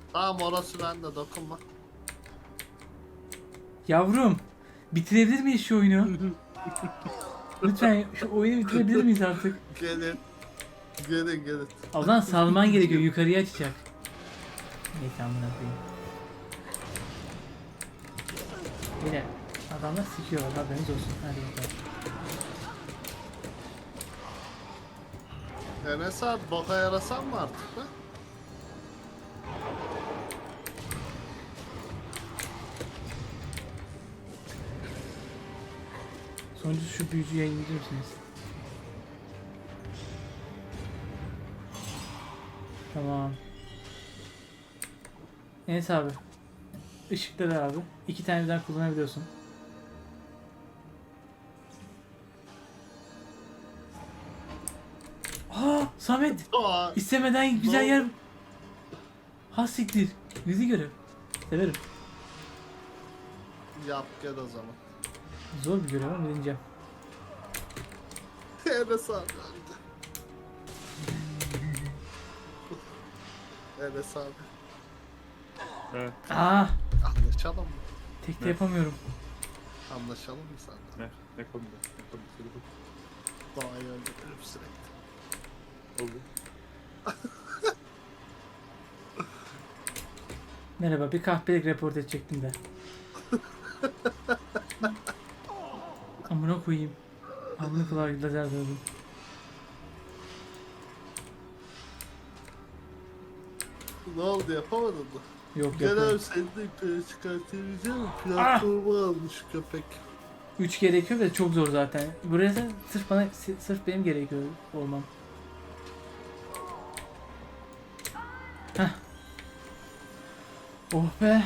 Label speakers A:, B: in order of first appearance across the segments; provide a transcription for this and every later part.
A: Tamam orası bende, dokunma.
B: Yavrum, bitirebilir miyiz şu oyunu? Lütfen şu oyunu bitirebilir miyiz artık?
A: Gelin. Gelin gelin.
B: O zaman salman gerekiyor, yukarıya açacak. Neyse amına koyayım. Yine adamlar sikiyorlar, haberiniz olsun. Hadi bakalım.
A: Enes abi boka yarasan mı artık be?
B: Sonuncusu şu büyücüyü yayınlayabilir misiniz? Tamam. Enes abi. Işıkları abi. 2 tane birden kullanabiliyorsun. Aa, Samet.
A: Aa,
B: İstemeden güzel yer. Ha siktir. Bizi görev. Severim.
A: yap gel o zaman.
B: Zor bir görev ama deneyeceğim.
A: Enes abi öldü. Enes abi.
C: Evet.
B: Aa,
A: Anlaşalım mı?
B: tek de
C: Ne?
B: yapamıyorum.
A: Anlaşalım mı senden?
C: Ne konuda? Ne konuda?
A: Doğayı öldürürüm sürekli.
C: Oldu.
B: Merhaba, bir kahpelik report edecektim de. Amına koyayım. Amına kulağı lazer dövdüm.
A: Ne oldu, yapamadın mı?
B: Yok
A: Gel
B: yok.
A: abi seni de yukarı çıkartabileceğim. Platformu almış köpek.
B: 3 gerekiyor ve çok zor zaten. Burası sırf bana, sırf benim gerekiyor olmam. Heh. Oh be.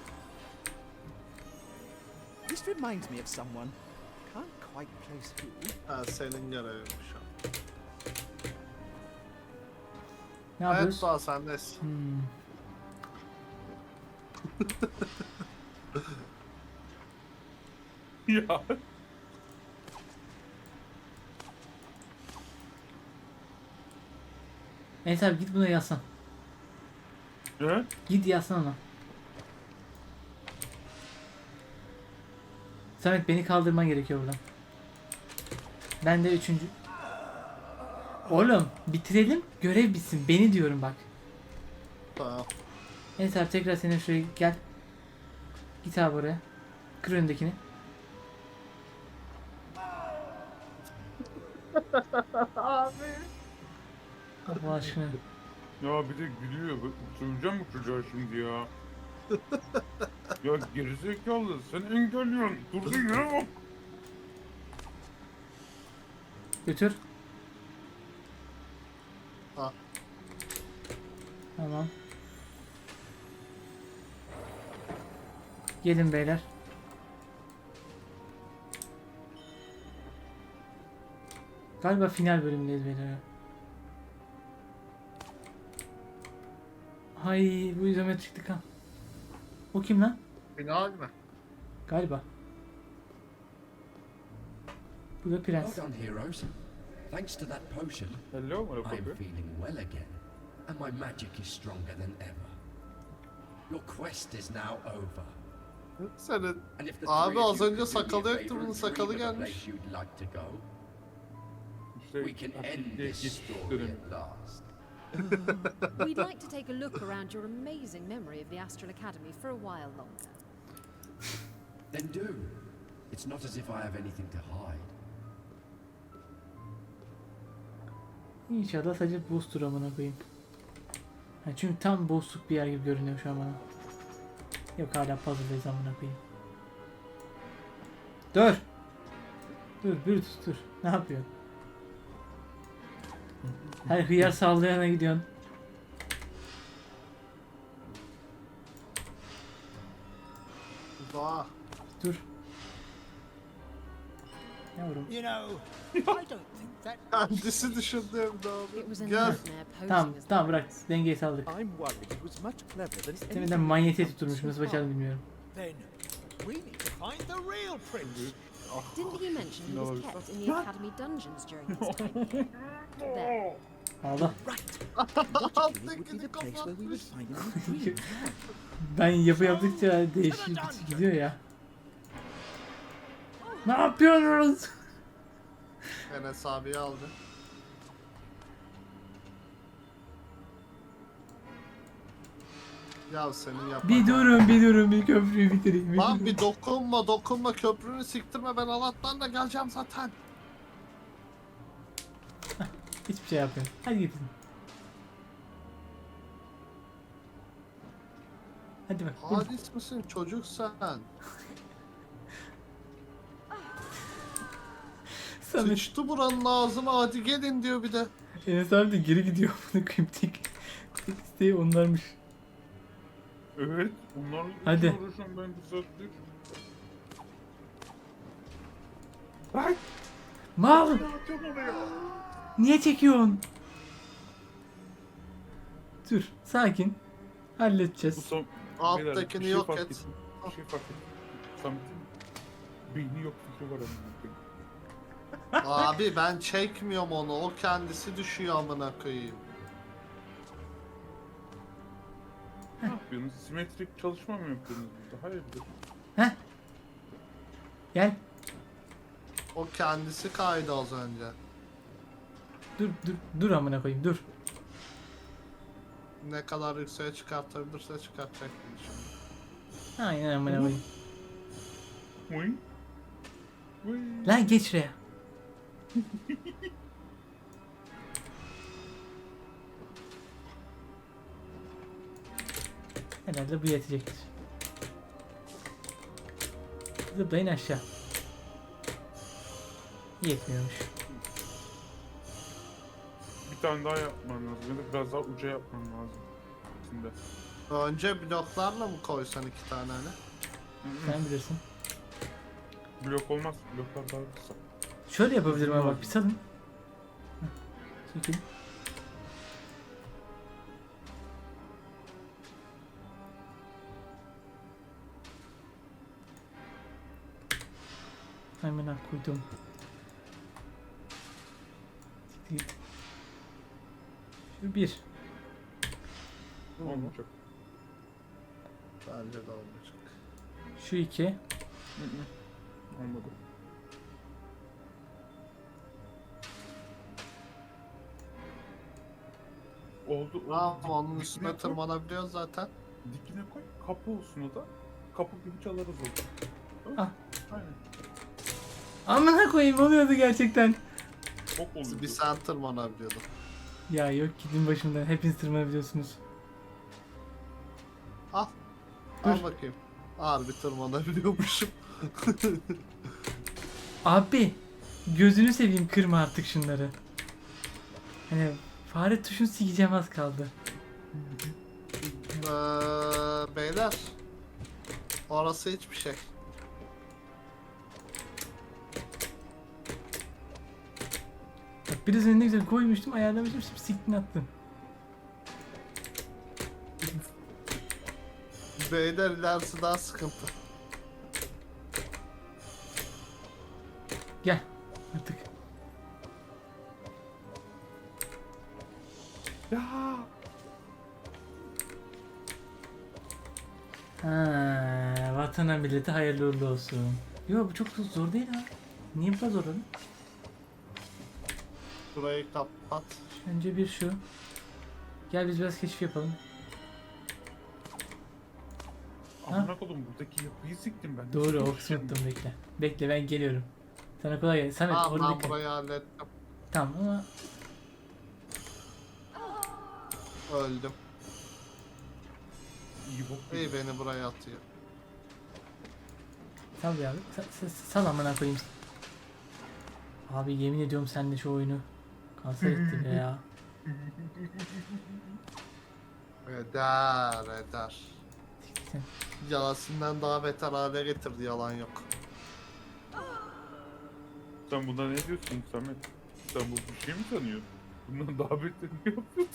D: This reminds me of someone. Can't quite place who.
A: Ha senin görevin şu an.
B: Ne
A: Evet
B: yapıyoruz?
A: Doğa sendesin.
B: Hmm.
C: Ya.
B: Neyse abi git buna yazsan.
C: Ne?
B: Git yazsan ona. Samet beni kaldırman gerekiyor buradan. Ben de 3. Oğlum bitirelim görev bitsin. Beni diyorum bak.
A: Tamam.
B: Neyse abi tekrar senin şuraya gel. Git abi oraya. Kır önündekini. Allah aşkına.
C: Ya bir de gülüyor. Söveceğim mi çocuğa şimdi ya? Ya gerizekalı sen engelliyorsun. Durduğun yere bak.
B: Götür.
A: Ha.
B: Tamam. Gelin beyler. Galiba final bölümündeyiz beyler. Hay bu izometriklik ha. O kim lan?
A: Final mi?
B: Galiba. Bu da prens.
E: Well done, heroes. Thanks to that potion,
C: Hello
E: I'm
C: motherfucker.
E: feeling well again, and my magic is stronger than ever. Your quest is now over.
A: Senin
E: And if the
A: Abi,
E: three of
A: az
E: you
A: önce
E: could do me a
A: sakalı yoktu,
E: favour
A: bunun
E: and
A: sakalı
E: dream of a
A: gelmiş.
E: place you'd like to go,
C: İşte
E: we can end
C: artık
E: this
C: git
E: story
C: dönemi.
E: at last.
F: We'd like to take a look around your amazing memory of the Astral Academy for a while longer.
E: Then do. It's not as if I have anything to hide.
B: İnşallah sadece boss'tur amına koyayım. Ha, çünkü tam boss'luk bir yer gibi görünüyor şu an bana. Yok hala puzzle'dayız amına koyayım. Dur. Dur Brutus dur. Ne yapıyorsun? Her hıyar sallayana gidiyorsun.
A: Doğa.
B: Dur. Yavrum.
D: You know, I don't think that.
A: Kendisi düşündüğüm de
F: It
A: abi.
F: was a
A: Gel.
F: nightmare posing
B: Tamam
F: as
B: tamam
F: the
B: bırak.
F: prince.
B: Dengeyi saldık.
D: I'm worried it was much cleverer than
B: Demeden
D: anything
B: manyetiğe
D: we've done
B: tutturmuş. Nasıl
D: so
B: başardı
D: far.
B: bilmiyorum.
D: Then we need to find the real prince.
F: Didn't he mention he
C: No,
F: was
C: it's
F: kept in the academy dungeons during his time here? There.
B: Allah.
D: Right. Logically, it would be
A: Tekini
D: the place where we would
A: kapatmış.
D: find our dream.
B: Ben yaptıkça değişik gidiyor ya. Ne yapıyoruz?
A: Enes abiyi aldı. Ya senin yapma.
B: Bir durun bir köprüyü bitireyim. Bir
A: Lan
B: durun.
A: bir dokunma köprünü siktirme, ben Allah'tan da geleceğim zaten.
B: Hiçbir şey yapmıyorum. Hadi gidin. Hadi bak.
A: Hadis misin çocuk sen?
B: Samet.
A: Sıçtı buranın ağzına, hadi gelin diyor bir de.
B: Enes abi de geri gidiyor. Bunu koyayım. Tek isteği onlarmış.
C: Evet. Onlarla
B: Hadi.
C: uğraşıyorum ben bir saattir. Bak.
B: Mal!
C: Atacağım oraya.
B: Niye çekiyorsun? Dur. Sakin.
C: Bu
B: Halledeceğiz.
C: son...
A: Alttakini
C: Bir şey
A: yok
C: fark
A: et.
C: ettim. Bir şey fark ettim. Samet'in beyni yok fikri var amına koyayım.
A: Abi ben çekmiyorum onu, o kendisi düşüyor amına koyayım.
C: Ne yapıyorsunuz? Simetrik çalışma mı yapıyorsunuz burada? Hayırdır?
B: Heh. Gel.
A: O kendisi kaydı az önce.
B: Dur amına koyayım dur.
A: Ne kadar yükseğe çıkartabilirse çıkartacak gibi şimdi.
B: Aynen amına koyayım.
C: Uy. Uy.
B: Lan geç şuraya. Herhalde bu yetecektir. Zıplayın aşağı. Yetmiyormuş.
C: Bir tane daha yapman lazım. Ya da biraz daha uca yapman lazım. Şimdi.
A: Önce bloklarla mı koysan 2 tane hani?
B: Sen bilirsin.
C: Blok olmaz. Bloklar daha kısa.
B: Şöyle yapabilirim ama bak bir salın. Heh, çekil. Hemen koydum. Siktir git. Şu bir.
C: Olmayacak.
A: Bence de olmayacak.
B: Şu iki.
C: Olmadı. Oldu.
A: Tamam,
C: Dik-
A: onun
C: dikine
A: üstüne
C: koy,
A: tırmanabiliyoruz zaten.
C: Dikine koy. Kapı olsun o da. Kapı gibi çalarız oldu.
B: Ah.
C: Aynen.
B: Amına koyayım oluyordu gerçekten.
C: Çok oluyor.
A: Bir sen tırmanabiliyordun.
B: Ya yok gidin başımdan. Hepiniz tırmanabiliyorsunuz.
A: Al.
B: Dur.
A: Al bakayım. Harbi tırmanabiliyormuşum.
B: Abi gözünü seveyim kırma artık şunları. Hani fare tuşunu sikeceğim az kaldı.
A: Beyler. Orası hiçbir şey.
B: Bak biraz önüne güzel koymuştum ayarlamıştım şimdi siktin attın.
A: Beyler ilerisi daha sıkıntı.
B: Gel artık.
C: Ya.
B: Ha, vatana millete hayırlı uğurlu olsun. Yo bu çok zor değil ha. Niye bu kadar zor oğlum?
A: Burayı kapat.
B: Önce bir şu. Gel biz biraz keşif yapalım.
C: Amına kodum buradaki yapıyı siktim ben.
B: Doğru o
C: Nasıl
B: kısmı
C: şimdi?
B: unuttum bekle. Bekle ben geliyorum. Sana kolay gelsin. Samet
A: Tamam
B: orada
A: ben
B: dikkat.
A: burayı hallettim.
B: Tamam ama
A: Öldüm.
C: İyi bok
A: İyi
C: değil.
A: beni buraya atıyor.
B: sal ya. Sal amına koyayım. Abi yemin ediyorum sen de şu oyunu kanser etti be ya.
A: Eder.
B: Sen.
A: Yalasından daha beter hale getirdi, yalan yok.
C: Sen buna ne diyorsun Samet? Sen bu bir şey mi sanıyorsun? Bundan daha beterini yapıyorsun.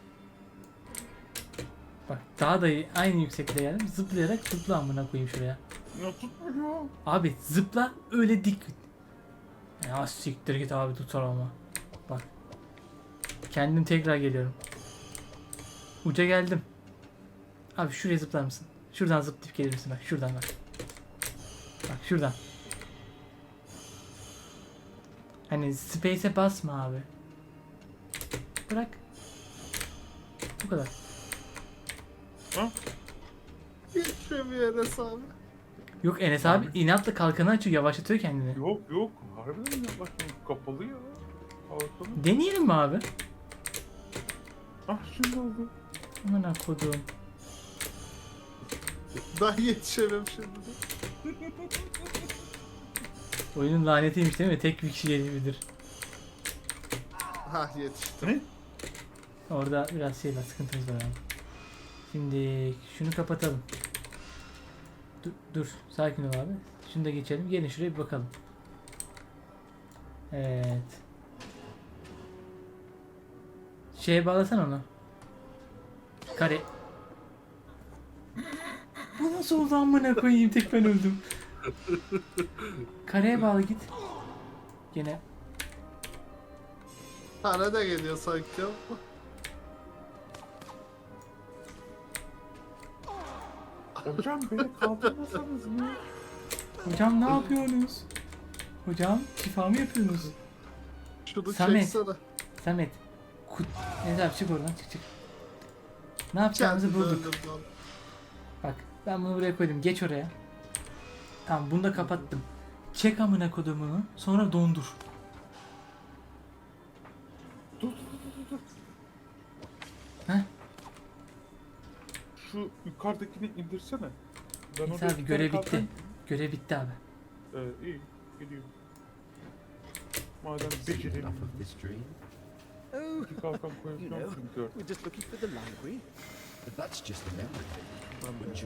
B: Bak daha da iyi, aynı yüksekliğe geldim. Zıplayarak zıpla amına koyayım şuraya.
C: Ya tutmuyor.
B: Abi zıpla öyle dik. Ya siktir git abi tutar ama. Bak. Kendim tekrar geliyorum. Uca geldim. Abi şuraya zıplar mısın? Şuradan zıplayıp gelir misin? Bak şuradan bak. Bak şuradan. Hani space'e basma abi. Bırak. Bu kadar.
A: Geçemiyor Enes abi.
B: Yok Enes abi inatla kalkanı açıyor, yavaşlatıyor kendini.
C: Yok yok. Harbiden mi yaklaştım? Kapalı ya. Kalkanı.
B: Deneyelim mi abi?
C: Ah şimdi oldu.
B: Aman kodum.
A: Ben yetişemem şimdi de.
B: Oyunun lanetiymiş değil mi? Tek bir kişi gelebilir.
A: Hah yetiştim.
C: Ne?
B: Orada biraz şey var, sıkıntımız var abi. Şimdi şunu kapatalım. Dur, sakin ol abi. Şunu da geçelim. Gelin şuraya bir bakalım. Evet. Şeye bağlasana onu. Kare. Bu nasıl oldu amına koyayım, tek ben öldüm. Kareye bağla git. Gene.
A: Para da geliyor sanki ama.
C: Hocam beni kaldırmasanız mı?
B: Hocam ne yapıyorsunuz? Hocam şifa mı yapıyorsunuz?
A: Şunu
B: Samet.
A: çeksene.
B: Samet. Neyse abi çık oradan, çık. Ne yapacağımızı
A: Kendimi
B: bulduk.
A: öldürdüm lan.
B: Bak ben bunu buraya koydum. Geç oraya. Tamam bunu da kapattım. Çek amına kodumunu. Sonra dondur.
C: Dur.
B: Heh.
C: Şu yukarıdakini indirsene. Ben
B: Neyse
C: orada
B: abi
C: bir
B: görev
C: tane
B: bitti.
C: kalkan-
B: Görev bitti abi.
C: İyi. Gidiyorum. Madem
E: Enough
C: becerelim.
E: of this dream.
D: Oh,
C: Bir kalkan
D: you
C: koyacağım
D: know,
C: çünkü.
D: we're just looking for the library.
E: But that's just a memory thing. Wouldn't you